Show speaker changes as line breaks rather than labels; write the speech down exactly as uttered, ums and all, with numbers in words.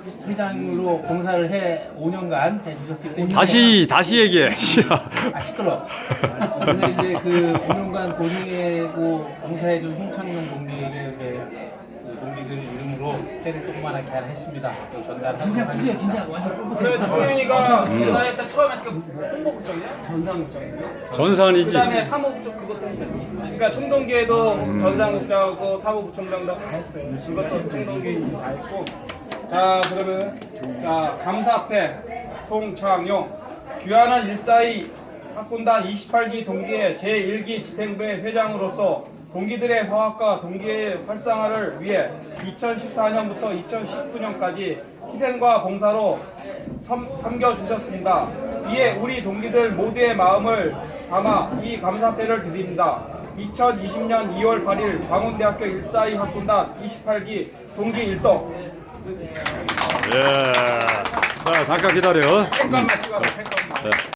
회장으로 봉사를 해 오 년간 해주셨기 때문에
다시 다시 얘기해.
아 시끄러. 오늘 이제 그 오 년간 고생하고 봉사해준 송창용 동기에게 그 동기들 이름으로 회를 조그만하게 하나 했습니다. 전달하고
긴장 푸세요. 긴장 완전
그래
뻣뻣해.
정현이가 전화했다 처음에 그 홍보국장이야? 전상국장이야?
전산이지.
그 다음에 사무국장 그것도 했었지. 그러니까 총동기에도 전상국장하고 사무부총장도 다 했어요. 그것도 총동기 다 했고. 자 그러면 자 감사패 송창용 귀환한 일사이 학군단 이십팔 기 동기의 제일 기 집행부의 회장으로서 동기들의 화합과 동기의 활성화를 위해 이천십사 년부터 이천십구 년까지 희생과 봉사로 섬, 섬겨주셨습니다. 이에 우리 동기들 모두의 마음을 담아 이 감사패를 드립니다. 이천이십 년 이월 팔일 광운대학교 일사이 학군단 이십팔 기 동기 일동.
예. 자, 잠깐 기다려.
잠깐만 찍어봐. 잠깐만.